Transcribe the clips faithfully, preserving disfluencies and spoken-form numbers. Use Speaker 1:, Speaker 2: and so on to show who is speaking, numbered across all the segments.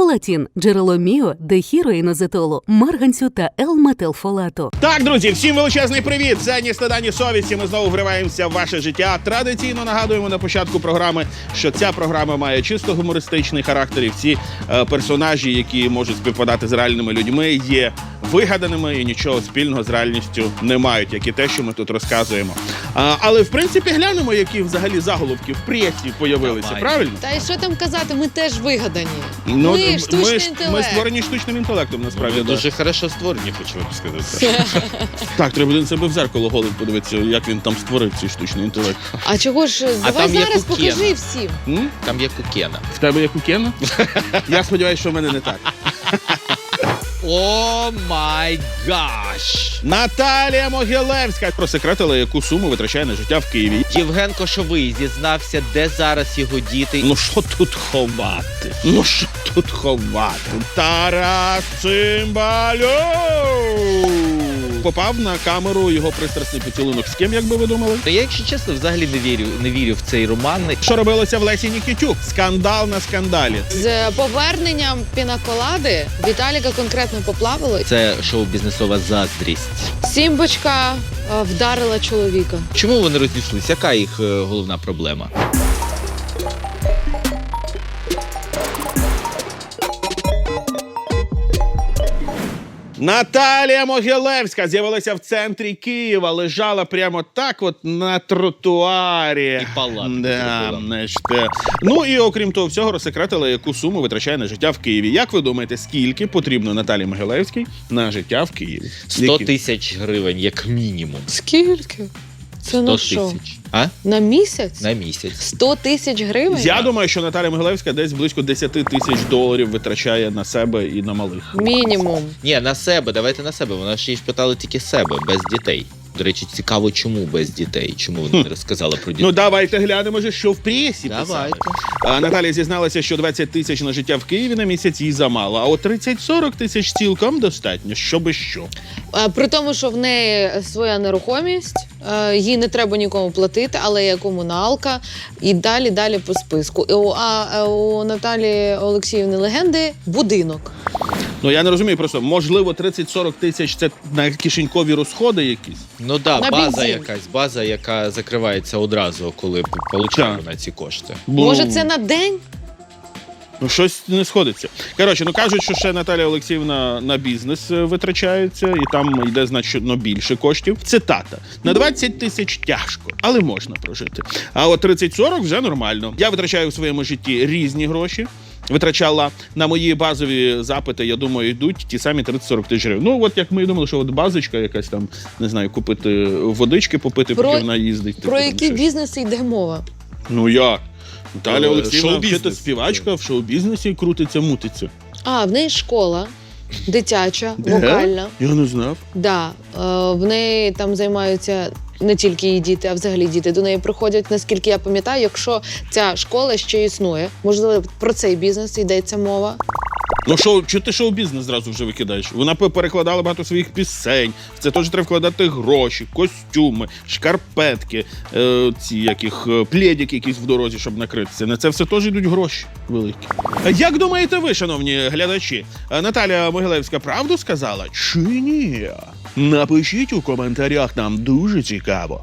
Speaker 1: Фолатін – джерело міо, дехіроїнозетолу, марганцю та Л-метилфолату.
Speaker 2: Так, друзі, всім величезний привіт! Це «Ні стида, ні совісті». Ми знову вриваємося в ваше життя. Традиційно нагадуємо на початку програми, що ця програма має чисто гумористичний характер. І всі е, персонажі, які можуть співпадати з реальними людьми, є вигаданими і нічого спільного з реальністю не мають, як і те, що ми тут розказуємо. А, але, в принципі, глянемо, які взагалі заголовки в пресі появилися,
Speaker 3: Давай.
Speaker 2: правильно?
Speaker 4: Та і що там казати, ми теж вигадані.
Speaker 2: Ну,
Speaker 4: ми штучний
Speaker 2: ми, ж-
Speaker 4: інтелект.
Speaker 2: ми створені штучним інтелектом, насправді.
Speaker 3: Ви
Speaker 2: да.
Speaker 3: дуже хорошо створені, хочу вам сказати.
Speaker 2: Так, треба на себе в зеркало голим подивитися, як він там створив цей штучний інтелект.
Speaker 4: А чого ж, давай
Speaker 3: там є
Speaker 4: зараз
Speaker 3: Кукена.
Speaker 4: покажи всім.
Speaker 2: М?
Speaker 3: Там є Кукена.
Speaker 2: В тебе як у Кена? Я сподіваюся, що в мене не так.
Speaker 3: О май гаш!
Speaker 2: Наталія Могилевська просекретила, яку суму витрачає на життя в Києві.
Speaker 3: Євген Кошовий зізнався, де зараз його діти.
Speaker 2: Ну що тут ховати? Ну що тут ховати? Тарас Цимбалюк! Попав на камеру його пристрасний поцілунок. З ким, як би ви думали?
Speaker 3: Ну, я, якщо чесно, взагалі не вірю, не вірю в цей роман.
Speaker 2: Що робилося в Лесі Нікітюк? Скандал на скандалі.
Speaker 4: З поверненням пінаколади Віталіка конкретно поплавило.
Speaker 3: Це шоу-бізнесова заздрість.
Speaker 4: Сімбочка е, вдарила чоловіка.
Speaker 3: Чому вони розійшлися? Яка їх е, головна проблема?
Speaker 2: Наталія Могилевська з'явилася в центрі Києва, лежала прямо так от на тротуарі.
Speaker 3: І палатку
Speaker 2: Да,
Speaker 3: зробила.
Speaker 2: значить, е. Ну і окрім того всього розсекретила, яку суму витрачає на життя в Києві. Як ви думаєте, скільки потрібно Наталії Могилевській на життя в Києві?
Speaker 3: сто
Speaker 2: Які?
Speaker 3: тисяч гривень, як мінімум.
Speaker 4: Скільки? Це на
Speaker 3: сто
Speaker 4: що?
Speaker 3: тисяч. А?
Speaker 4: На місяць?
Speaker 3: На місяць.
Speaker 4: сто тисяч гривень?
Speaker 2: Я думаю, що Наталія Могилевська десь близько десять тисяч доларів витрачає на себе і на малих.
Speaker 4: Мінімум.
Speaker 3: Ні, на себе, давайте на себе. Вона ж її ж питала тільки себе, без дітей. До речі, цікаво, чому без дітей? Чому вона не розказала про дітей?
Speaker 2: Ну давайте глянемо, же, що в пресі писали.
Speaker 3: Давайте.
Speaker 2: А, Наталія зізналася, що двадцять тисяч на життя в Києві на місяць їй замало, а от тридцять-сорок тисяч цілком достатньо, щоби що.
Speaker 4: Е, При тому, що в неї своя нерухомість, е, їй не треба нікому платити, але є комуналка і далі, далі по списку. І у- А е, у Наталії Олексіївни Легенди будинок.
Speaker 2: Ну я не розумію просто, можливо, тридцять-сорок тисяч це на кишенькові розходи якісь?
Speaker 3: Ну так,
Speaker 4: На
Speaker 3: да, база
Speaker 4: бензин.
Speaker 3: якась, база, яка закривається одразу, коли получає
Speaker 2: Так.
Speaker 3: вона ці кошти.
Speaker 2: Бо,
Speaker 4: Може, це на день?
Speaker 2: ну, щось не сходиться. Коротше, ну кажуть, що ще Наталія Олексіївна на бізнес е, витрачається, і там йде значно більше коштів. Цитата. На двадцять тисяч тяжко, але можна прожити. А от тридцять-сорок вже нормально. Я витрачаю в своєму житті різні гроші. Витрачала на мої базові запити, я думаю, йдуть ті самі тридцять-сорок тисяч гривень. Ну, от як ми думали, що от базочка якась там, не знаю, купити водички, попити,
Speaker 4: Про-
Speaker 2: поки вона їздить.
Speaker 4: Про
Speaker 2: типу, там
Speaker 4: які
Speaker 2: щось.
Speaker 4: бізнеси йде мова?
Speaker 2: Ну як? Наталя
Speaker 3: Е,
Speaker 2: Олексіївна,
Speaker 3: шоу-бізнес.
Speaker 2: вчитель співачка, в шоу-бізнесі крутиться, мутиться.
Speaker 4: А, в неї школа дитяча,
Speaker 2: Де?
Speaker 4: вокальна.
Speaker 2: Я не знав.
Speaker 4: Да, е, в неї там займаються не тільки її діти, а взагалі діти до неї приходять, наскільки я пам'ятаю, якщо ця школа ще існує. Можливо, про цей бізнес йдеться мова.
Speaker 2: Ну шоу, чого ти шоу-бізнес зразу вже викидаєш? Вона пе- перекладала багато своїх пісень. В це теж треба вкладати гроші, костюми, шкарпетки, е, ці яких е, плєдики якісь в дорозі, щоб накритися. На це все теж йдуть гроші великі. А як думаєте ви, шановні глядачі, е, Наталя Могилевська правду сказала чи ні? Напишіть у коментарях, нам дуже цікаво.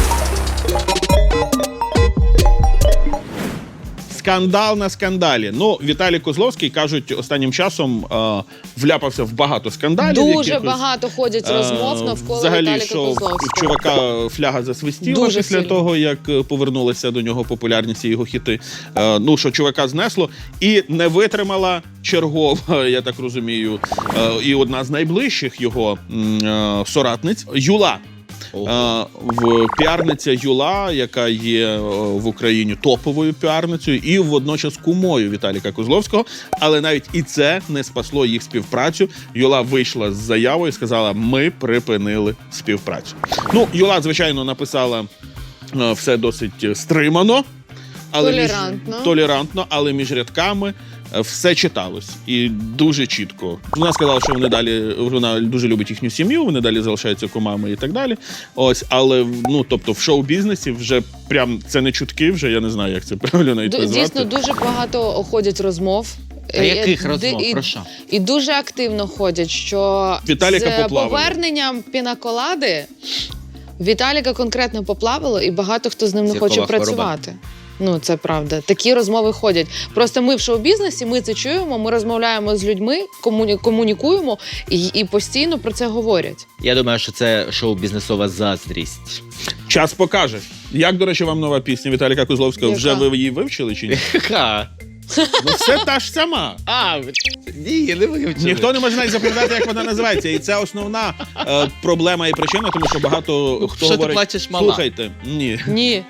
Speaker 2: Скандал на скандалі. Ну, Віталій Козловський, кажуть, останнім часом е, вляпався в багато скандалів.
Speaker 4: Дуже
Speaker 2: якихось.
Speaker 4: багато ходять розмов
Speaker 2: Е,
Speaker 4: навколо
Speaker 2: Взагалі,
Speaker 4: Віталіка
Speaker 2: що
Speaker 4: Козловського.
Speaker 2: в чувака фляга засвистіла
Speaker 4: Дуже
Speaker 2: після
Speaker 4: сильно.
Speaker 2: того, як е, повернулися до нього популярність і його хіти. Е, Ну, що чувака знесло. І не витримала чергова, я так розумію, е, і одна з найближчих його м, е, соратниць Юла.
Speaker 3: Ого.
Speaker 2: Е, в піарниця Юла, яка є е, в Україні топовою піарницею і водночас кумою Віталіка Козловського. Але навіть і це не спасло їх співпрацю. Юла вийшла з заявою і сказала, ми припинили співпрацю. Ну, Юла, звичайно, написала е, все досить стримано. Але
Speaker 4: Толерантно.
Speaker 2: Між, толерантно, але між рядками е, все читалось. І дуже чітко. Вона сказала, що вони далі, вона дуже любить їхню сім'ю, вони далі залишаються кумами і так далі. Ось, але, ну, тобто, в шоу-бізнесі вже прям, це не чутки, вже я не знаю, як це правильно навіть
Speaker 4: Ду-
Speaker 2: назвати.
Speaker 4: Дійсно, дуже багато ходять розмов
Speaker 3: Та яких
Speaker 4: І-
Speaker 3: розмов?
Speaker 4: і-
Speaker 3: Про що?
Speaker 4: І дуже активно ходять, що
Speaker 2: Віталіка
Speaker 4: з
Speaker 2: поплавило.
Speaker 4: поверненням пінаколади Віталіка конкретно поплавило, і багато хто з ним не
Speaker 3: Зіркова
Speaker 4: хоче
Speaker 3: хвороба.
Speaker 4: працювати. Ну, це правда. Такі розмови ходять. Просто ми в шоу-бізнесі, ми це чуємо, ми розмовляємо з людьми, комуні- комунікуємо і, і постійно про це говорять.
Speaker 3: Я думаю, що це шоу-бізнесова заздрість.
Speaker 2: Час покаже. Як, до речі, вам нова пісня Віталіка Козловського?
Speaker 4: Яка?
Speaker 2: Вже ви її вивчили чи ні?
Speaker 3: Ха.
Speaker 2: Ну це та ж сама.
Speaker 3: А, ні, не вивчили.
Speaker 2: Ніхто не може навіть запам'ятати, як вона називається. І це основна е, проблема і причина, тому що багато хто
Speaker 3: Що ти
Speaker 2: говорить...
Speaker 3: плачеш, мала?
Speaker 2: Слухайте, ні.
Speaker 4: Ні.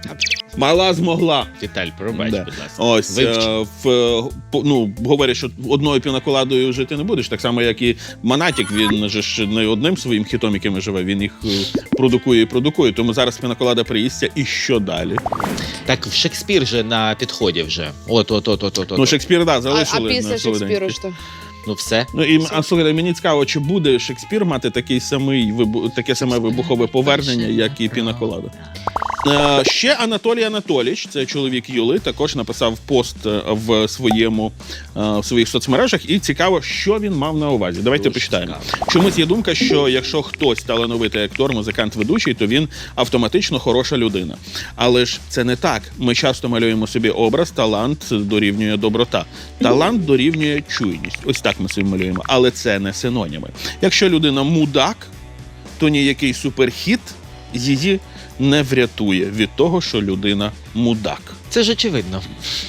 Speaker 2: Мала змогла.
Speaker 3: Віталь, пробач,
Speaker 2: Да.
Speaker 3: будь ласка.
Speaker 2: Ось,
Speaker 3: Вивчи.
Speaker 2: е, в, е, по- ну, говорять, що одною пінаколадою жити не будеш. Так само, як і Монатік, він же ж не одним своїм хітом, якими живе, він їх е, продукує і продукує. Тому зараз пінаколада приїсться, і що далі?
Speaker 3: Так, в Шекспір же на підході вже. От, от, от, от, от.
Speaker 2: Ну,
Speaker 3: от.
Speaker 2: Шекспір, да,
Speaker 4: А, а
Speaker 2: залишили
Speaker 4: після
Speaker 2: на
Speaker 4: Шекспіру
Speaker 2: солоденький.
Speaker 4: що?
Speaker 3: Ну все.
Speaker 2: Ну і а, слухайте, мені цікаво, чи буде Шекспір мати такий самий вибу- таке саме вибухове повернення, як і пінаколада. Е, ще Анатолій Анатолійович, це чоловік Юли, також написав пост е, в своєму е, в своїх соцмережах. І цікаво, що він мав на увазі. Давайте
Speaker 3: Дуже
Speaker 2: почитаємо.
Speaker 3: цікаво.
Speaker 2: Чомусь є думка, що якщо хтось талановитий актор, музикант, ведучий, то він автоматично хороша людина. Але ж це не так. Ми часто малюємо собі образ, талант дорівнює доброта. Талант дорівнює чуйність. Ось так ми собі малюємо. Але це не синоніми. Якщо людина мудак, то ніякий суперхіт її не врятує від того, що людина мудак.
Speaker 3: Це ж очевидно.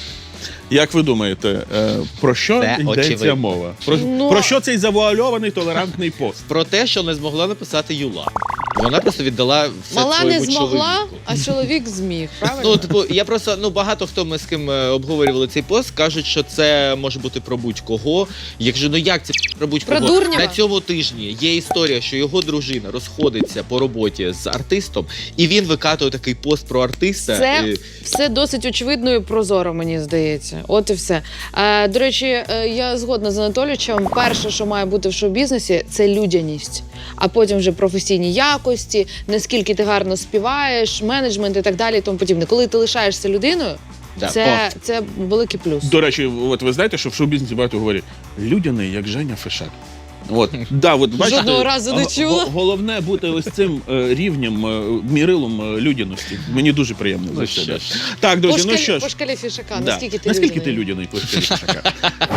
Speaker 2: Як ви думаєте, е, про що
Speaker 3: Це
Speaker 2: йдеться
Speaker 3: очевидно.
Speaker 2: мова? Про,
Speaker 4: Ну,
Speaker 2: про що цей завуальований толерантний пост?
Speaker 3: Про те, що не змогла написати Юла. Вона просто віддала все
Speaker 4: Мала не
Speaker 3: своєму
Speaker 4: змогла,
Speaker 3: чоловіку.
Speaker 4: а чоловік зміг, правильно?
Speaker 3: Ну, типу, я просто, ну, багато хто ми з ким е, обговорювали цей пост, кажуть, що це може бути про будь-кого. Якщо, ну як це про будь-кого?
Speaker 4: Про Дурнєва?
Speaker 3: На цьому тижні є історія, що його дружина розходиться по роботі з артистом, і він викатує такий пост про артиста.
Speaker 4: Це
Speaker 3: і-
Speaker 4: все досить очевидно і прозоро, мені здається. От і все. Е, до речі, е, я згодна з Анатолійовичем. Перше, що має бути в шоу-бізнесі, це людяність. А потім вже професійні якості, наскільки ти гарно співаєш, менеджмент і так далі, і тому подібне. Коли ти лишаєшся людиною,
Speaker 3: Да.
Speaker 4: це, це великий плюс.
Speaker 2: До речі, от ви знаєте, що в шоу-бізнесі багато говорять людяний, як Женя Фишак. От, да, от, бачите,
Speaker 4: Жодного разу не
Speaker 2: го-
Speaker 4: чула.
Speaker 2: го- Головне бути ось цим е, рівнем, е, мірилом е, людяності. Мені дуже приємно за
Speaker 3: Ну,
Speaker 2: це.
Speaker 3: що
Speaker 2: да.
Speaker 3: ж.
Speaker 2: Так, друзі,
Speaker 4: По
Speaker 2: ну
Speaker 4: шкалі,
Speaker 2: що ж.
Speaker 4: по шкалі Фішака,
Speaker 2: Да.
Speaker 4: наскільки ти
Speaker 2: Наскільки
Speaker 4: людяний?
Speaker 2: ти людяний по шкалі Фишака?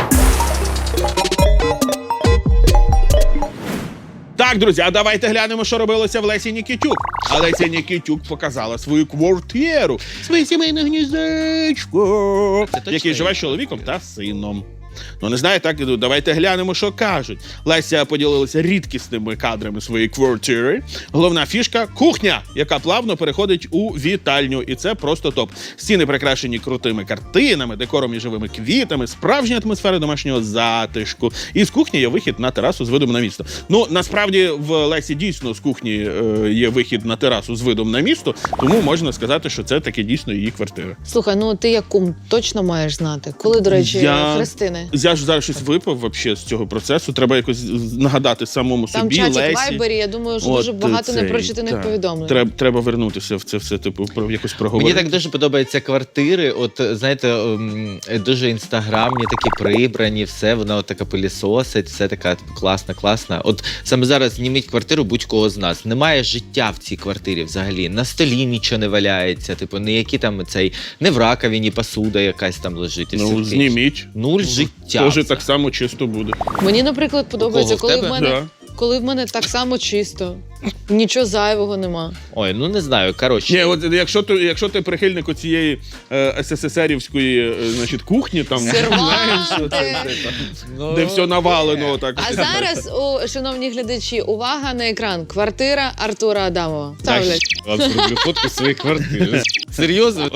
Speaker 2: Так, друзі, а давайте глянемо, що робилося в Лесі Нікітюк. А Леся Нікітюк показала свою квартиру, своє сімейне гніздечко,
Speaker 3: Це точно
Speaker 2: який живе з
Speaker 3: її
Speaker 2: чоловіком та сином. Ну, не знаю, так, ну, давайте глянемо, що кажуть. Леся поділилася рідкісними кадрами своєї квартири. Головна фішка – кухня, яка плавно переходить у вітальню. І це просто топ. Стіни прикрашені крутими картинами, декором і живими квітами, справжня атмосфера домашнього затишку. І з кухні є вихід на терасу з видом на місто. Ну, насправді, в Лесі дійсно з кухні е, є вихід на терасу з видом на місто, тому можна сказати, що це таки дійсно її квартира.
Speaker 4: Слухай, ну ти як кум точно маєш знати. Коли, до речі,
Speaker 2: Я-
Speaker 4: Христини?
Speaker 2: Я ж зараз щось випив вообще з цього процесу. Треба якось нагадати самому
Speaker 4: Там
Speaker 2: собі,
Speaker 4: чатик
Speaker 2: Лесі.
Speaker 4: Вайбері, я думаю, що
Speaker 2: От,
Speaker 4: дуже багато
Speaker 2: цей,
Speaker 4: непрочитаних
Speaker 2: так.
Speaker 4: повідомлень.
Speaker 2: Треба, треба вернутися в це все, типу, про якось проговорити.
Speaker 3: Мені так дуже подобаються квартири. От знаєте, ем, дуже інстаграмні, такі прибрані, все, вона от така пилісосить, все така типу, класна, класна. От саме зараз зніміть квартиру будь-кого з нас. Немає життя в цій квартирі взагалі. На столі нічого не валяється, типу, ніякі там цей, не в раковині посуда якась там лежить. і все
Speaker 2: Ну,
Speaker 3: таке.
Speaker 2: зніміть.
Speaker 3: Нуль життя.
Speaker 2: Тоже
Speaker 3: взагалі.
Speaker 2: так само чисто буде.
Speaker 4: Мені, наприклад, подобається,
Speaker 3: в
Speaker 4: коли в,
Speaker 3: тебе?
Speaker 4: мене,
Speaker 2: Да.
Speaker 4: коли в мене так само чисто, нічого зайвого нема.
Speaker 3: Ой, ну не знаю, коротше.
Speaker 2: Ні, от якщо ти, якщо ти прихильник оцієї е, СССРівської е, значить, кухні, там
Speaker 4: Серванти.
Speaker 2: знаєш, що це, це, там,
Speaker 3: Ну,
Speaker 2: де все навалено. Так.
Speaker 4: А зараз, о, шановні глядачі, увага на екран. Квартира Артура Адамова.
Speaker 3: Так,
Speaker 4: Ставлять.
Speaker 3: вам зроблю фотку своєї квартири. Серйозно?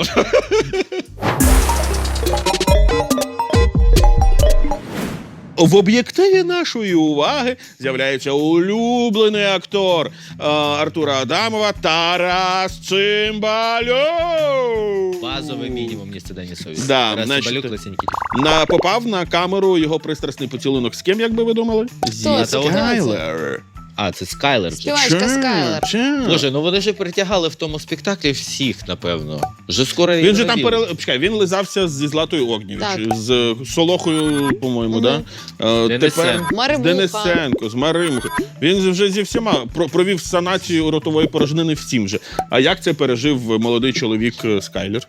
Speaker 2: В об'єктиві нашої уваги з'являється улюблений актор е, Артура Адамова Тарас Цимбалюк.
Speaker 3: Базовий мінімум, ні стида, ні совісті.
Speaker 2: Да,
Speaker 3: Тарас
Speaker 2: значить,
Speaker 3: Цимбалюк, Леся Нікітюк.
Speaker 2: На, попав на камеру його пристрасний поцілунок з ким, як би ви думали? Зі
Speaker 4: Хто це?
Speaker 2: Скайлер.
Speaker 3: А, це Скайлер. вже.
Speaker 4: Співачка Скайлер.
Speaker 2: Ча.
Speaker 3: Боже, ну вони ж притягали в тому спектаклі всіх, напевно. Вже скоро
Speaker 2: Він же там
Speaker 3: Єврові-
Speaker 2: пере... Чекай, він лизався зі Златою Огнєвіч,
Speaker 4: Так.
Speaker 2: з Солохою, по-моєму,
Speaker 4: Мгм.
Speaker 2: да? Е,
Speaker 3: Денисенко.
Speaker 2: Тепер з
Speaker 4: Маримуха.
Speaker 2: Денисенко, з Маримухою. Він вже зі всіма про- провів санацію ротової порожнини всім же. А як це пережив молодий чоловік е, Скайлер?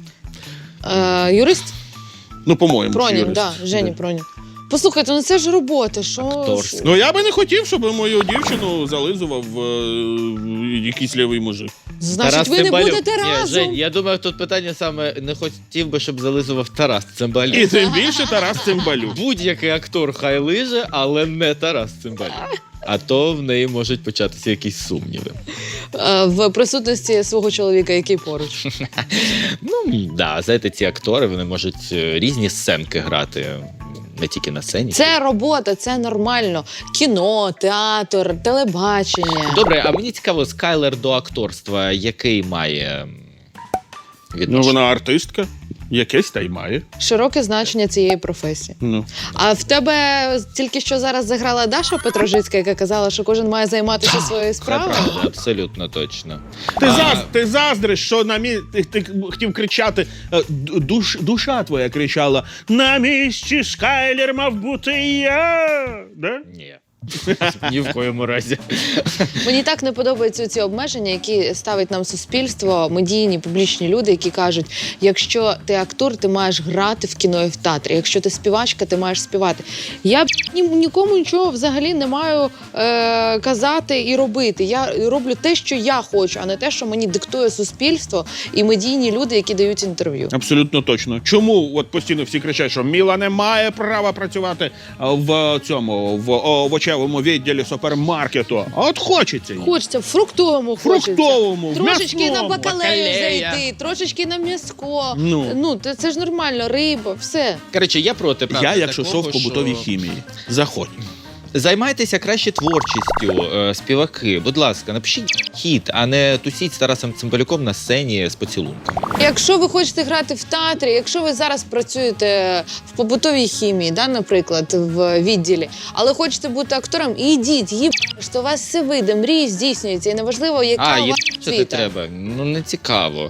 Speaker 4: Е, юрист?
Speaker 2: Ну, по-моєму, ж
Speaker 4: Пронін,
Speaker 2: юрист.
Speaker 4: да, Женя
Speaker 2: Да.
Speaker 4: Пронін. Послухайте, ну це ж робота, що...
Speaker 3: Акторська.
Speaker 2: Ну я би не хотів, щоб мою дівчину зализував е, якийсь лівий мужик.
Speaker 4: Значить,
Speaker 3: Тарас
Speaker 4: ви не
Speaker 3: Цимбалюк.
Speaker 4: будете
Speaker 3: Ні,
Speaker 4: разом.
Speaker 3: Жень, я думаю, тут питання саме не хотів би, щоб зализував Тарас Цимбалюк.
Speaker 2: І тим більше Тарас Цимбалюк.
Speaker 3: Будь-який актор хай лиже, але не Тарас Цимбалюк. А то в неї можуть початися якісь сумніви.
Speaker 4: Е, в присутності свого чоловіка, який поруч.
Speaker 3: Ну, да, знаєте, ці актори, вони можуть е, різні сценки грати, не тільки на сцені.
Speaker 4: Це робота, це нормально. Кіно, театр, телебачення.
Speaker 3: Добре, а мені цікаво, Скайлер до акторства який має м,
Speaker 2: Ну
Speaker 3: відношення?
Speaker 2: вона артистка, якесь та й має.
Speaker 4: Широке значення цієї професії.
Speaker 2: Ну.
Speaker 4: А в тебе тільки що зараз заграла Даша Петрожицька, яка казала, що кожен має займатися своєю
Speaker 3: Це
Speaker 4: справою.
Speaker 3: правда, абсолютно точно.
Speaker 2: Ти,
Speaker 3: А,
Speaker 2: заз, ти заздриш, що на мі... ти, ти хотів кричати, е, д- душ, душа твоя кричала: на місці Скайлер мав бути я. Да?
Speaker 3: Ні. Ні в коєму разі.
Speaker 4: Мені так не подобаються ці обмеження, які ставить нам суспільство, медійні, публічні люди, які кажуть, якщо ти актор, ти маєш грати в кіно і в театрі. Якщо ти співачка, ти маєш співати. Я б ні, нікому нічого взагалі не маю е, казати і робити. Я роблю те, що я хочу, а не те, що мені диктує суспільство і медійні люди, які дають інтерв'ю.
Speaker 2: Абсолютно точно. Чому от постійно всі кричать, що Міла не має права працювати а, в цьому в овочевому відділі супермаркету? А от хочеться їй.
Speaker 4: Хочеться в фруктовому, хочеться.
Speaker 2: Фруктовому, в
Speaker 4: Трошечки на
Speaker 2: м'ясному.
Speaker 4: бакалею
Speaker 3: Бакалея.
Speaker 4: зайти, трошечки на м'яско.
Speaker 2: Ну.
Speaker 4: Ну, це, це ж нормально, риба, все.
Speaker 3: Коротше, я проти, правда,
Speaker 2: Я, якщо
Speaker 3: такого,
Speaker 2: йшов в побутовій
Speaker 3: що-
Speaker 2: хімії, заходь.
Speaker 3: Займайтеся краще творчістю, е, співаки. Будь ласка, напишіть хіт, а не тусіть з Тарасом Цимбалюком на сцені з поцілунками.
Speaker 4: Якщо ви хочете грати в театрі, якщо ви зараз працюєте в побутовій хімії, да, наприклад, в відділі, але хочете бути актором, ідіть, їб, що у вас все вийде, мрії здійснюються, і неважливо, яка
Speaker 3: А,
Speaker 4: у
Speaker 3: є
Speaker 4: вас
Speaker 3: що ти
Speaker 4: освіта.
Speaker 3: треба? Ну, не цікаво.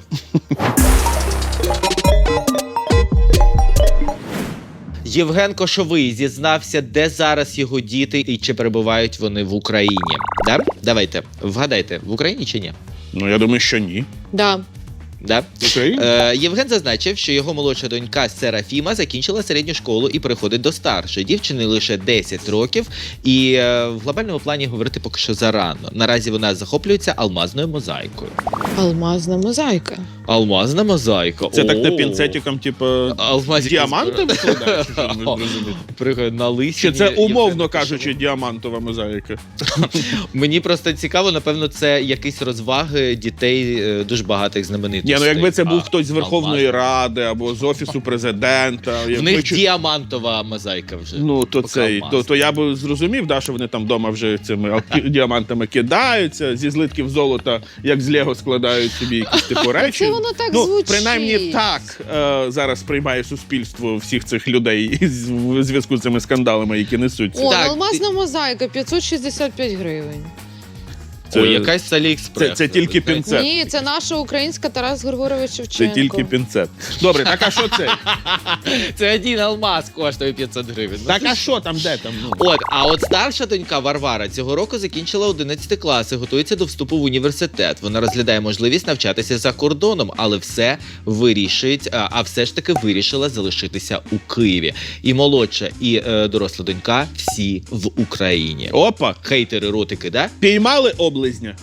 Speaker 3: Євген Кошовий зізнався, де зараз його діти і чи перебувають вони в Україні. Да? Давайте, вгадайте, в Україні чи ні?
Speaker 2: Ну, я думаю, що ні.
Speaker 4: Да.
Speaker 3: Да?
Speaker 2: В Україні?
Speaker 3: Е, Євген зазначив, що його молодша донька Серафіма закінчила середню школу і переходить до старшої. Дівчини лише десять років, і е, в глобальному плані говорити поки що зарано. Наразі вона захоплюється алмазною мозаїкою.
Speaker 4: Алмазна мозаїка.
Speaker 3: Алмазна мозаїка.
Speaker 2: Це так не
Speaker 3: О.
Speaker 2: пінцетиком, типу,
Speaker 3: Алмазні
Speaker 2: діаманти викладаєш? Що ви
Speaker 3: О,
Speaker 2: зрозумієте?
Speaker 3: Приходить на лисі.
Speaker 2: Чи це умовно кажучи діамантова мозаїка?
Speaker 3: Мені просто цікаво, напевно, це якісь розваги дітей е, дуже багатих знаменитостей.
Speaker 2: Ні, ну якби це
Speaker 3: А,
Speaker 2: був хтось з Верховної
Speaker 3: алмазна.
Speaker 2: Ради або з Офісу президента.
Speaker 3: В
Speaker 2: якби
Speaker 3: них
Speaker 2: чи-
Speaker 3: діамантова мозаїка вже.
Speaker 2: Ну, то,
Speaker 3: Поки
Speaker 2: цей,
Speaker 3: алмазна.
Speaker 2: то, то я би зрозумів, да, що вони там вдома вже цими алки- діамантами кидаються, зі злитків золота, як з Лего складають собі якісь типу речі.
Speaker 4: Це воно так
Speaker 2: ну,
Speaker 4: звучить.
Speaker 2: принаймні так е, зараз приймає суспільство всіх цих людей із- в зв'язку з цими скандалами, які несуться.
Speaker 4: О,
Speaker 3: Так,
Speaker 4: алмазна мозаїка п'ятсот шістдесят п'ять гривень.
Speaker 2: Це-
Speaker 3: Ой, якась з Аліекспрес.
Speaker 2: це- це тільки
Speaker 3: ви знаєте.
Speaker 2: пінцет.
Speaker 4: Ні, це наша українська Тарас Григорович
Speaker 2: Це
Speaker 4: Шевченко.
Speaker 2: тільки пінцет. Добре, так а що це?
Speaker 3: Це один алмаз коштує п'ятсот гривень. Ну,
Speaker 2: Так
Speaker 3: це
Speaker 2: а
Speaker 3: ж-
Speaker 2: що там, де там? Ну?
Speaker 3: От, а от старша донька Варвара цього року закінчила одинадцятий клас і готується до вступу в університет. Вона розглядає можливість навчатися за кордоном, але все вирішить, а, а все ж таки вирішила залишитися у Києві. І молодша, і е, доросла донька всі в Україні.
Speaker 2: Опа,
Speaker 3: Хейтери ротики, да?
Speaker 2: піймали облизня.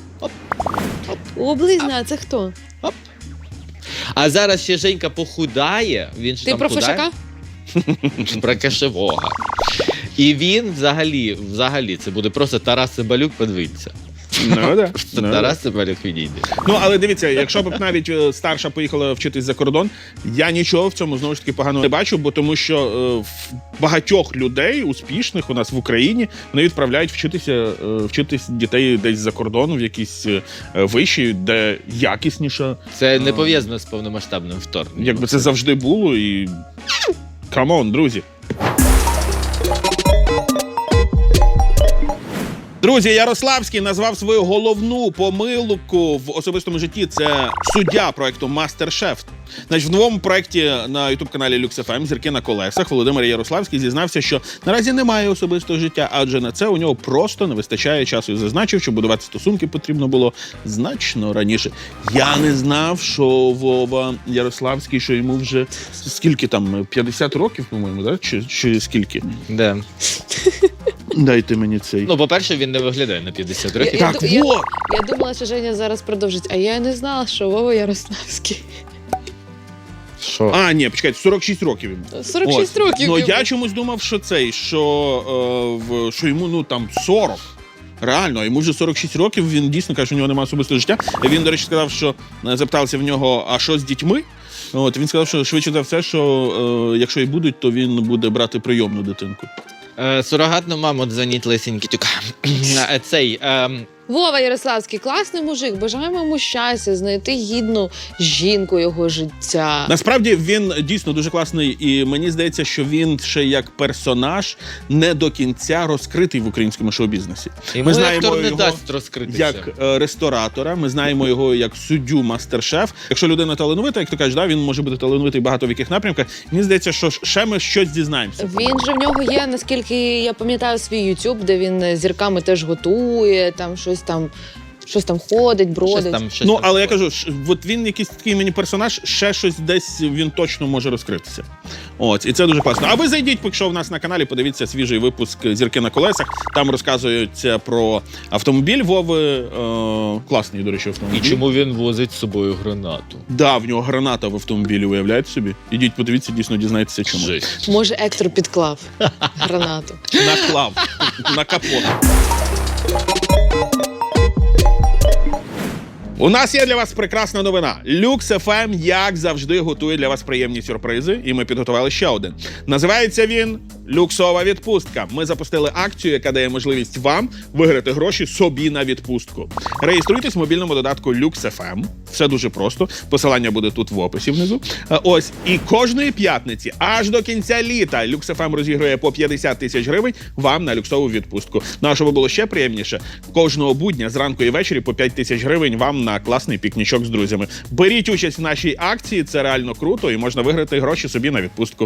Speaker 4: Облизна, а це хто?
Speaker 3: А зараз ще Женька похудає. Він ж
Speaker 4: Ти
Speaker 3: там
Speaker 4: про
Speaker 3: худає.
Speaker 4: Фишака?
Speaker 3: Про кашевога. І він взагалі, взагалі, це буде просто Тарас Цимбалюк, подивіться.
Speaker 2: Ну, да.
Speaker 3: Це
Speaker 2: Ну,
Speaker 3: Тарас Цимбалюк відійде.
Speaker 2: Ну, але дивіться, якщо б навіть е, старша поїхала вчитись за кордон, я нічого в цьому знову ж таки поганого не бачу, бо тому що е, в багатьох людей успішних у нас в Україні вони відправляють вчитися, е, вчитись дітей десь за кордоном, в якісь е, виші, де якісніше.
Speaker 3: Це не пов'язано з повномасштабним вторгненням.
Speaker 2: Якби це завжди було і. Камон, друзі. Друзі, Ярославський назвав свою головну помилку в особистому житті. Це суддя проекту «Мастер-шеф». Значить, в новому проєкті на ютуб-каналі Люкс еф ем «Зірки на колесах» Володимир Ярославський зізнався, що наразі немає особистого життя, адже на це у нього просто не вистачає часу. І зазначив, що будувати стосунки потрібно було значно раніше. Я не знав, що Вова Ярославський, що йому вже скільки там, п'ятдесят років, по-моєму, да? Чи, чи скільки?
Speaker 3: Да.
Speaker 2: Дайте мені цей.
Speaker 3: Ну, по-перше, він не виглядає на п'ятдесят років.
Speaker 4: Я,
Speaker 2: Так,
Speaker 4: я, я,
Speaker 2: вот!
Speaker 4: я думала, що Женя зараз продовжить, а я не знала, що Вова Ярославський.
Speaker 3: Що?
Speaker 2: А, ні, почекайте, сорок шість років йому.
Speaker 4: сорок шість
Speaker 2: От.
Speaker 4: років.
Speaker 2: Ну,
Speaker 4: йому.
Speaker 2: я чомусь думав, що цей, що, е, в, що йому, ну, там, сорок. Реально, йому вже сорок шість років, він дійсно каже, що у нього немає особистого життя. Він, до речі, сказав, що е, запитався в нього, а що з дітьми? От, він сказав, що швидше за все, що е, якщо і будуть, то він буде брати прийомну дитинку.
Speaker 3: Е, сурогатну маму дзвонить лисенький тюк. Е, Цей... ем,
Speaker 4: Вова Ярославський, класний мужик, бажаємо йому щастя, знайти гідну жінку його життя.
Speaker 2: Насправді він дійсно дуже класний, і мені здається, що він ще як персонаж не до кінця розкритий в українському шоу-бізнесі.
Speaker 3: Йому
Speaker 2: Ми знаємо
Speaker 3: актор не
Speaker 2: його
Speaker 3: дасть розкритися.
Speaker 2: як е, ресторатора, ми знаємо його як суддю мастер-шеф. Якщо людина талановита, як ти кажеш, да, він може бути талановитий багато в яких напрямках. Мені здається, що ще ми щось дізнаємося.
Speaker 4: Він же в нього є, наскільки я пам'ятаю, свій ютуб, де він зірками теж готує, там щось там, щось там ходить, бродить.
Speaker 3: Щось там, щось
Speaker 2: Ну,
Speaker 3: там
Speaker 2: але я
Speaker 3: було.
Speaker 2: кажу, ш- от він якийсь такий мені персонаж, ще щось десь він точно може розкритися. От, і це дуже класно. А ви зайдіть, поки що в нас на каналі, подивіться свіжий випуск «Зірки на колесах». Там розказується про автомобіль Вови. Е, класний, до речі, автомобіль.
Speaker 3: І чому він возить з собою гранату?
Speaker 2: Да, в нього граната в автомобілі, уявляєте собі? Ідіть, подивіться, дійсно дізнаєтеся, чому.
Speaker 3: Жесть.
Speaker 4: Може, Ектор підклав гранату.
Speaker 2: Наклав на капот. У нас є для вас прекрасна новина. Люкс еф ем, як завжди, готує для вас приємні сюрпризи, і ми підготували ще один. Називається він «Люксова відпустка». Ми запустили акцію, яка дає можливість вам виграти гроші собі на відпустку. Реєструйтесь в мобільному додатку Люкс еф ем. Все дуже просто. Посилання буде тут в описі внизу. Е, Ось. І кожної п'ятниці, аж до кінця літа, Люкс еф ем розігрує по п'ятдесят тисяч гривень вам на люксову відпустку. Ну а щоб було ще приємніше, кожного будня зранку і ввечері по п'ять тисяч гривень вам на класний пікнічок з друзями. Беріть участь в нашій акції, це реально круто, і можна виграти гроші собі на відпустку.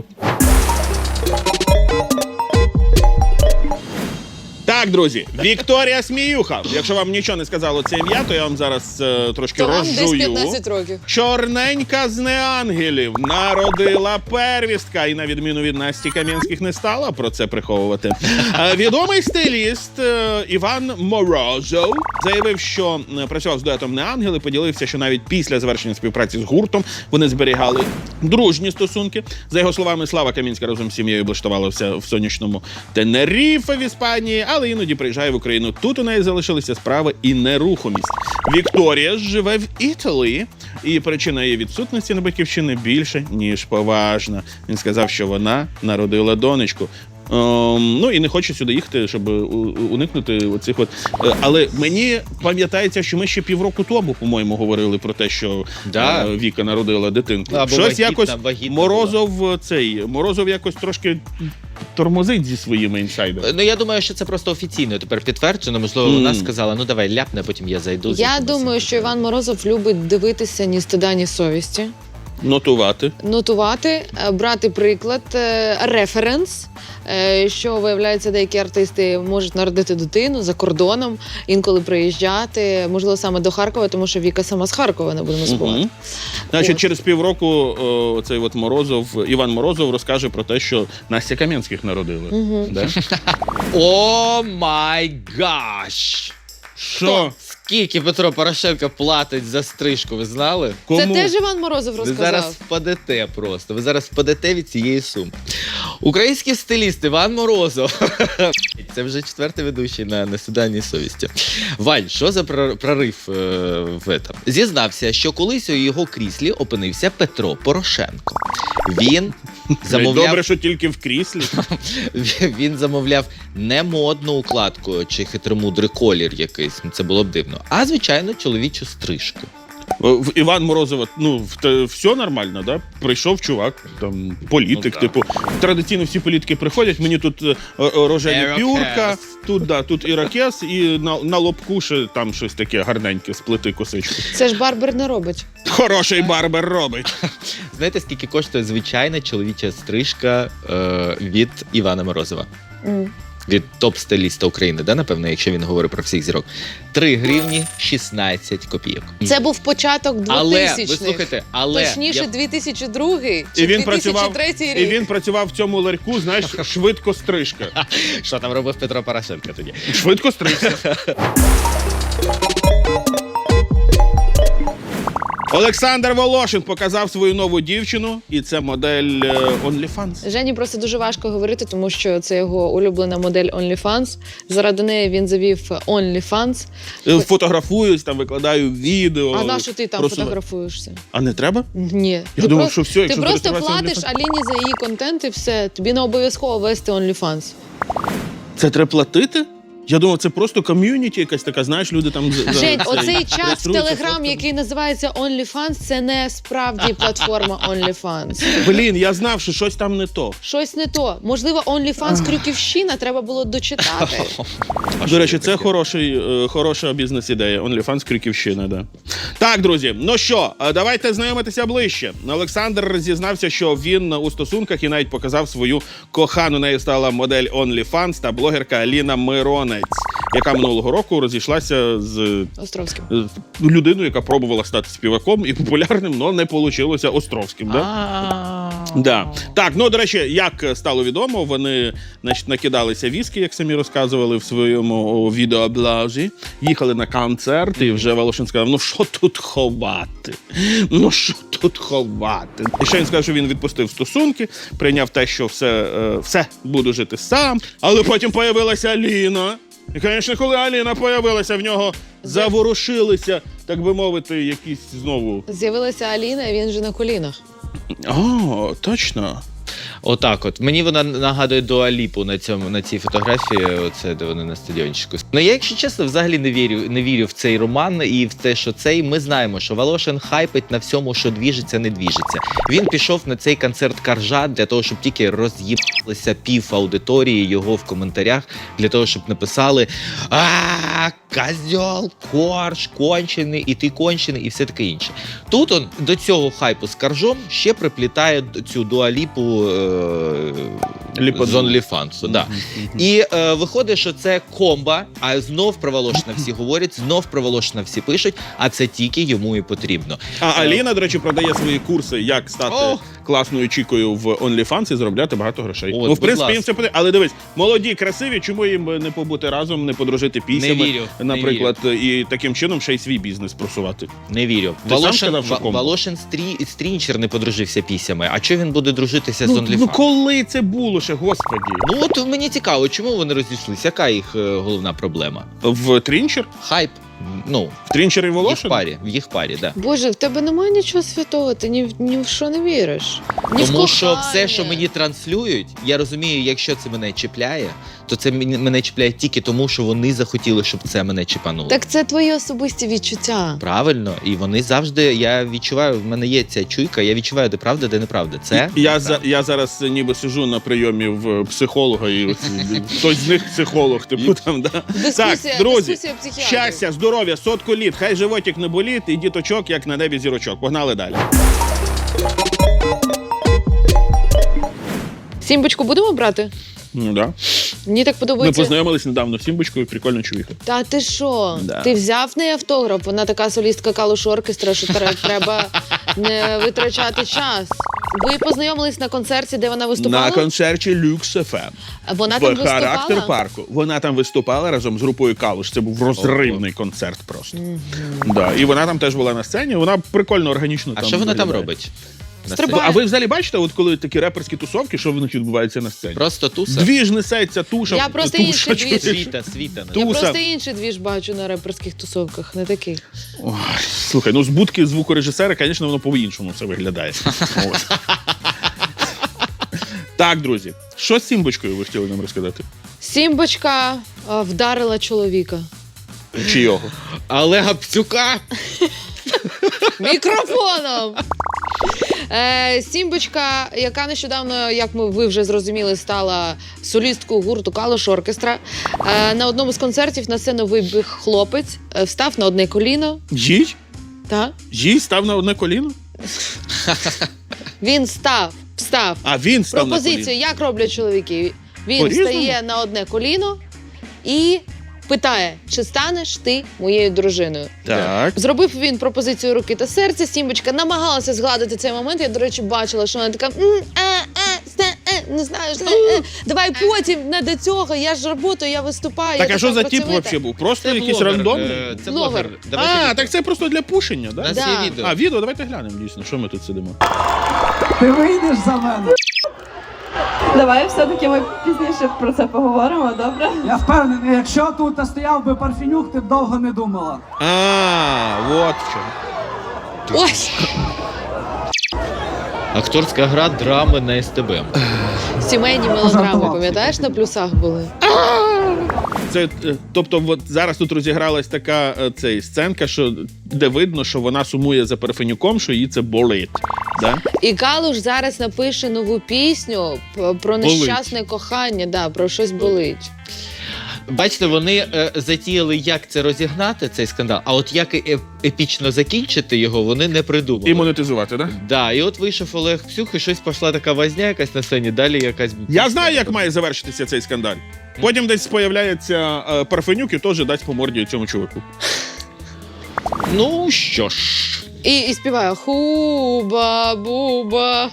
Speaker 2: Так, друзі, Вікторія Сміюха. Якщо вам нічого не сказало це ім'я, то я вам зараз е, трошки
Speaker 4: То вам десь
Speaker 2: розжую.
Speaker 4: п'ятнадцять років.
Speaker 2: Чорненька з неангелів народила первістка, і на відміну від Насті Кам'янських не стала про це приховувати. Е, Відомий стиліст е, Іван Морозов заявив, що е, працював з дуетом «Неангели», поділився, що навіть після завершення співпраці з гуртом вони зберігали дружні стосунки. За його словами, Слава Камінська разом з сім'єю облаштувалася в сонячному Тенеріфе в Іспанії, але іноді приїжджає в Україну. Тут у неї залишилися справи і нерухомість. Вікторія ж живе в Італії, і причина її відсутності на батьківщині більше, ніж поважна. Він сказав, що вона народила донечку. Ем, ну і не хоче сюди їхати, щоб у- у- уникнути оцих от. Е, Але мені пам'ятається, що ми ще півроку тому, по-моєму, говорили про те, що
Speaker 3: Да.
Speaker 2: е, Віка народила дитинку.
Speaker 3: Або
Speaker 2: Щось
Speaker 3: вагітна,
Speaker 2: якось
Speaker 3: вагітна
Speaker 2: Морозов цей Морозов якось трошки тормозить зі своїми інсайдерами.
Speaker 3: Ну, я думаю, що це просто офіційно тепер підтверджено. Можливо, вона
Speaker 2: Мгм.
Speaker 3: сказала, ну давай ляпне, потім я зайду. з
Speaker 4: Я
Speaker 3: якимось
Speaker 4: думаю, що Іван Морозов любить дивитися ні стида, ні совісті.
Speaker 2: Нотувати.
Speaker 4: Нотувати, е, брати приклад, е, референс, е, що, виявляється, деякі артисти можуть народити дитину за кордоном, інколи приїжджати, можливо, саме до Харкова, тому що Віка сама з Харкова, не будемо спорити.
Speaker 2: Мгм. Значить,
Speaker 4: От.
Speaker 2: через півроку о, цей от Морозов, Іван Морозов розкаже про те, що Настя Кам'янських народили.
Speaker 4: Мгм.
Speaker 2: Да?
Speaker 3: О май гаш!
Speaker 2: Що?
Speaker 3: Скільки Петро Порошенко платить за стрижку, ви знали?
Speaker 2: Кому?
Speaker 4: Це теж Іван Морозов
Speaker 3: Ви
Speaker 4: розказав.
Speaker 3: зараз впадете просто. Ви зараз впадете від цієї суми. Український стиліст Іван Морозов. Це вже четвертий ведучий на «Несуданній совісті». Вань, що за прор- прорив е, в этом? Зізнався, що колись у його кріслі опинився Петро Порошенко. Він замовляв,
Speaker 2: Добре, що тільки в кріслі.
Speaker 3: він замовляв не модну укладку чи хитромудрий колір якийсь, це було б дивно, а звичайно чоловічу стрижку.
Speaker 2: В Іван Морозова, ну, в те, все нормально, да? Прийшов чувак, там, політик,
Speaker 3: Ну,
Speaker 2: типу. Традиційно всі політики приходять, мені тут е, е, рожеві
Speaker 3: Ірокез.
Speaker 2: пюрка, тут, да, тут ірокез, і на, на лобку ще там щось таке гарненьке, сплети косичку.
Speaker 4: Це ж барбер не робить.
Speaker 2: Хороший барбер робить.
Speaker 3: Знаєте, скільки коштує звичайна чоловіча стрижка е, від Івана Морозова?
Speaker 4: М.
Speaker 3: Від топ-стиліста України, да, напевно, якщо він говорить про всіх зірок. три гривні шістнадцять копійок.
Speaker 4: Це був початок
Speaker 3: Але,
Speaker 4: двохтисячних.
Speaker 3: ви слухайте, але...
Speaker 4: Точніше,
Speaker 3: я-
Speaker 4: дві тисячі другий чи
Speaker 2: І він, працював,
Speaker 4: дві тисячі третій
Speaker 2: і
Speaker 4: рік.
Speaker 2: він працював в цьому ларьку, знаєш, швидко стрижка.
Speaker 3: Що там робив Петро Порошенко тоді?
Speaker 2: Швидко стрижка. Олександр Волошин показав свою нову дівчину, і це модель е, OnlyFans.
Speaker 4: Жені просто дуже важко говорити, тому що це його улюблена модель OnlyFans. Заради неї він завів OnlyFans.
Speaker 2: Е, Фотографуюсь, там викладаю відео.
Speaker 4: А на що ти там
Speaker 2: просуваю.
Speaker 4: фотографуєшся?
Speaker 2: А не треба?
Speaker 4: Ні.
Speaker 2: Я
Speaker 4: Ти
Speaker 2: думав,
Speaker 4: просто-
Speaker 2: що все, якщо
Speaker 4: Ти просто
Speaker 2: зареєструватися
Speaker 4: платиш
Speaker 2: OnlyFans.
Speaker 4: Аліні за її контент і все. Тобі не обов'язково вести OnlyFans.
Speaker 2: Це треба платити? Я думав, це просто ком'юніті якась така, знаєш, люди там... за- за
Speaker 4: Жень,
Speaker 2: це
Speaker 4: оцей чат в
Speaker 2: реєструються,
Speaker 4: Телеграм,
Speaker 2: фотками.
Speaker 4: який називається OnlyFans, це не справді платформа OnlyFans.
Speaker 2: Блін, я знав, що щось там не то.
Speaker 4: Щось не то. Можливо, OnlyFans Крюківщина треба було дочитати.
Speaker 2: До речі, це хороший, е, хороша бізнес-ідея. OnlyFans Крюківщина, да. Так, друзі, ну що, е, давайте знайомитися ближче. Олександр зізнався, що він у стосунках і навіть показав свою кохану. Нею стала модель OnlyFans та блогерка Аліна Миронець, яка минулого року розійшлася з
Speaker 4: Островським.
Speaker 2: е, людиною, яка пробувала стати співаком і популярним, але не вийшло Островським. Да? Да. Так, ну, до речі, як стало відомо, вони, значить, накидалися віскі, як самі розказували в своєму відеоблозі, їхали на концерт, і вже Волошин сказав, ну що тут ховати? Ну що тут ховати? І ще він сказав, що він відпустив стосунки, прийняв те, що все, е, все, буду жити сам, але потім появилася Аліна. І, звісно, коли Аліна появилася, в нього заворушилися, так би мовити, якісь знову...
Speaker 4: З'явилася Аліна, і він вже на колінах.
Speaker 2: О, точно.
Speaker 3: Отак от. Мені вона нагадує Дуа Ліпу на цьому, на цій фотографії, оце, де вони на стадіончику. Ну, я, якщо чесно, взагалі не вірю, не вірю в цей роман і в те, що цей. Ми знаємо, що Волошин хайпить на всьому, що двіжиться, не двіжиться. Він пішов на цей концерт Каржа для того, щоб тільки роз'їбалися пів аудиторії його в коментарях, для того, щоб написали «А, козьол, корж, кончений, і ти кончений», і все таке інше. Тут он до цього хайпу з Каржом ще приплітає цю Дуа Ліпу
Speaker 2: Ліподу.
Speaker 3: з OnlyFans. Да. І е, виходить, що це комба, а знов про Волошина всі говорять, знов про Волошина всі пишуть, а це тільки йому і потрібно.
Speaker 2: А Аліна, до речі, продає свої курси, як стати
Speaker 3: О!
Speaker 2: класною чікою в OnlyFans і заробляти багато грошей.
Speaker 3: От,
Speaker 2: ну, в
Speaker 3: будь
Speaker 2: принципі,
Speaker 3: ласка.
Speaker 2: їм це потрібно. Але дивись, молоді, красиві, чому їм не побути разом, не подружити піснями,
Speaker 3: Не вірю, не
Speaker 2: наприклад, і таким чином ще й свій бізнес просувати.
Speaker 3: Не вірю.
Speaker 2: Ти сам
Speaker 3: Волошин,
Speaker 2: сказав, що
Speaker 3: Ва-
Speaker 2: комбо?
Speaker 3: Волошин стрі, стрінчер не подружився пісями. А чого він буде дружитися з
Speaker 2: Ну,
Speaker 3: OnlyFans?
Speaker 2: ну коли це було ще, господі?
Speaker 3: Ну от мені цікаво, чому вони розійшлися? Яка їх е, головна проблема?
Speaker 2: В Трінчер?
Speaker 3: Хайп. Ну,
Speaker 2: В Трінчер і
Speaker 3: в їх
Speaker 2: Волошин?
Speaker 3: парі, в їх парі, да.
Speaker 4: Боже, в тебе немає нічого святого, ти ні, в- ні в що не віриш. Ні в
Speaker 3: Тому що
Speaker 4: кохання.
Speaker 3: все, що мені транслюють, я розумію, якщо це мене чіпляє, то це мені- мене чіпляє тільки тому, що вони захотіли, щоб це мене чіпануло.
Speaker 4: Так це твої особисті відчуття.
Speaker 3: Правильно, і вони завжди, я відчуваю, в мене є ця чуйка, я відчуваю, де правда, де неправда. Це
Speaker 2: Я, за,
Speaker 3: неправда.
Speaker 2: я зараз ніби сижу на прийомі в психолога, і ось хтось з них психолог, типу там, да?
Speaker 4: Дискусія,
Speaker 2: Так, друзі,
Speaker 4: дискусія психіатрів.
Speaker 2: щастя, здоров'я, сотку літ, хай животик не болить, і діточок, як на небі зірочок. Погнали далі.
Speaker 4: Сімбочку будемо брати?
Speaker 2: Ну, да.
Speaker 4: Мені так
Speaker 2: Ми
Speaker 4: подобається.
Speaker 2: познайомились недавно з Сімбочкою, прикольно чувіха.
Speaker 4: Та ти що?
Speaker 2: Да.
Speaker 4: Ти взяв в неї автограф? Вона така солістка калуш оркестра, що тре- треба не витрачати час. Ви познайомились на концерті, де вона виступала?
Speaker 2: На концерті Люкс еф ем.
Speaker 4: Вона там
Speaker 2: В характер
Speaker 4: виступала?
Speaker 2: парку. Вона там виступала разом з групою Калуш. Це був розривний концерт просто. Да. І вона там теж була на сцені. Вона прикольно, органічно
Speaker 3: А
Speaker 2: там
Speaker 3: що вона там
Speaker 2: виглядає.
Speaker 3: робить? На
Speaker 4: Стрибає.
Speaker 3: сцені?
Speaker 2: А ви взагалі бачите, от коли такі реперські тусовки, що вночі відбувається на сцені?
Speaker 3: Просто туса?
Speaker 2: Дві ж несеться, туша.
Speaker 4: Я просто
Speaker 2: туша,
Speaker 4: інший двіж.
Speaker 2: чуєш?
Speaker 3: Світа, світа.
Speaker 2: Ту-
Speaker 4: Я
Speaker 2: Туса.
Speaker 4: просто інший двіж бачу на реперських тусовках, не такий.
Speaker 2: Ой, слухай, ну з будки звукорежисера, звісно, воно по-іншому все виглядає. От. Так, друзі, що з Сімбочкою ви хотіли нам розказати?
Speaker 4: Сімбочка а, вдарила чоловіка.
Speaker 2: Чи його?
Speaker 3: Але Гапцюка!
Speaker 4: Мікрофоном! Е, Сімбочка, яка нещодавно, як ми ви вже зрозуміли, стала солісткою гурту Калуш Оркестра. Е, на одному з концертів на сцену вибіг хлопець, е, встав на одне коліно.
Speaker 2: Їй?
Speaker 4: Та?
Speaker 2: Їй став на одне коліно?
Speaker 4: Він став, встав.
Speaker 2: А він став на
Speaker 4: Пропозицію,
Speaker 2: коліно?
Speaker 4: як роблять чоловіки? Він
Speaker 2: По-різному?
Speaker 4: стає на одне коліно і питає, чи станеш ти моєю дружиною.
Speaker 2: Так.
Speaker 4: Зробив він пропозицію руки та серця. Сімбочка намагалася згладити цей момент. Я, до речі, бачила, що вона така «М, е, е, сте, е, не знаю, е, е, давай потім, не до цього, я ж роботу, я виступаю.
Speaker 2: Так,
Speaker 4: я
Speaker 2: а що
Speaker 4: така
Speaker 2: за тип
Speaker 4: працьовита».
Speaker 2: взагалі був? Просто
Speaker 3: Це
Speaker 2: якийсь
Speaker 3: блогер,
Speaker 2: рандомний?
Speaker 3: е, Це
Speaker 4: Блогер.
Speaker 3: блогер. Давайте
Speaker 2: А,
Speaker 3: від-
Speaker 2: так це просто для пушення,
Speaker 3: У
Speaker 2: да?
Speaker 3: нас
Speaker 4: Да.
Speaker 3: є відео.
Speaker 2: А, відео, давайте глянемо, дійсно, що ми тут сидимо.
Speaker 5: Ти вийдеш за мене.
Speaker 6: Давай все-таки ми пізніше про це поговоримо, добре?
Speaker 5: Я впевнений, якщо тут стояв би Парфенюк, ти б довго не думала.
Speaker 2: А, от в чому.
Speaker 4: Ось!
Speaker 3: Акторська гра драми на ес те бе.
Speaker 4: Сімейні мелодрами,
Speaker 5: Пожартував.
Speaker 4: пам'ятаєш, на плюсах були?
Speaker 2: Це, е, тобто, от зараз тут розігралась така е, цей, сценка, що, де видно, що вона сумує за Парфенюком, що їй це болить. Да?
Speaker 4: І Калуш зараз напише нову пісню п- про
Speaker 2: Болить.
Speaker 4: нещасне кохання, да, про щось болить.
Speaker 3: Бачите, вони е, затіяли, як це розігнати, цей скандал, а от як е- епічно закінчити його, вони не придумали.
Speaker 2: І монетизувати, так? Да?
Speaker 3: Да, і от вийшов Олег Псюх, і щось пішла така возня якась на сцені, далі якась...
Speaker 2: Я знаю, як має завершитися цей скандаль. Потім десь появляється е, Парфенюк і теж дасть по морді цьому чуваку.
Speaker 3: Ну, що ж...
Speaker 4: І, і співає хуба буба.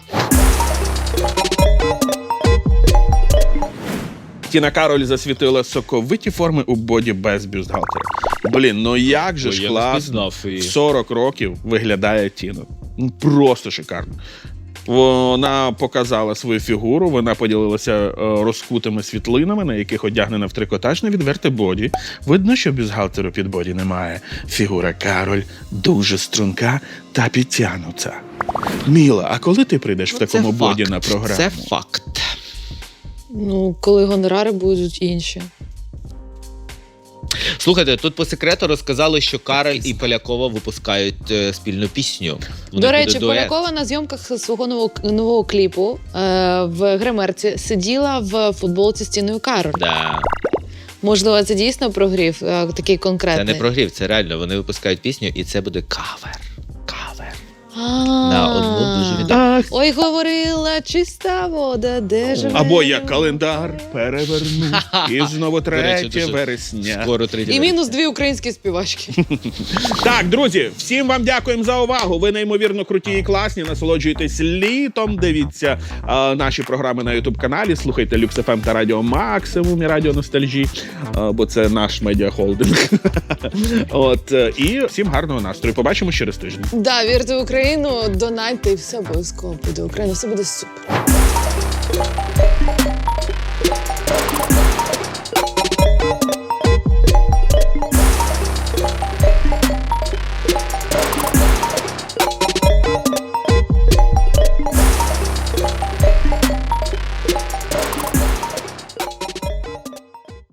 Speaker 2: Тіна Кароль засвітила соковиті форми у боді без бюстгальтера. Блін, ну як же
Speaker 3: Ой,
Speaker 2: ж
Speaker 3: я не
Speaker 2: класно
Speaker 3: впізнав її.
Speaker 2: в сорок років виглядає Тіна. Ну, просто шикарно. Вона показала свою фігуру, вона поділилася е, розкутими світлинами, на яких одягнена в трикотаж на відверте боді. Видно, що бюстгальтеру під боді немає. Фігура Кароль дуже струнка та підтягнута. Міла, а коли ти прийдеш в такому
Speaker 3: Це
Speaker 2: боді
Speaker 3: факт.
Speaker 2: на програму?
Speaker 3: Це факт.
Speaker 4: Ну, коли гонорари будуть інші.
Speaker 3: Слухайте, тут по секрету розказали, що Кароль і Полякова випускають е, спільну пісню. У них
Speaker 4: До
Speaker 3: буде
Speaker 4: речі,
Speaker 3: дует.
Speaker 4: Полякова на зйомках свого нового, нового кліпу е, в гримерці сиділа в футболці з Тіною Кароль.
Speaker 3: Да.
Speaker 4: Можливо, це дійсно прогрів, е, такий
Speaker 3: Це
Speaker 4: конкретний.
Speaker 3: не прогрів, це реально. Вони випускають пісню, і це буде кавер. Кавер.
Speaker 4: А-а-а.
Speaker 3: На одну дуже відому.
Speaker 2: Ах,
Speaker 4: Ой, говорила чиста вода, де живе.
Speaker 2: або я календар переверну, і знову
Speaker 3: До речі,
Speaker 2: третє
Speaker 3: дуже
Speaker 2: вересня.
Speaker 3: Скоро третє.
Speaker 4: І мінус дві українські співачки.
Speaker 2: Так, друзі, всім вам дякуємо за увагу. Ви неймовірно круті і класні. Насолоджуйтесь літом. Дивіться а, наші програми на ютуб-каналі. Слухайте Люкс еф ем та Радіо Максимум і Радіо Ностальжі, а, бо це наш медіахолдинг. От, е, і всім гарного настрою. Побачимо через тиждень.
Speaker 4: Да, вірте в Україну, донайте і все обов'язково буде Україна, все буде супер.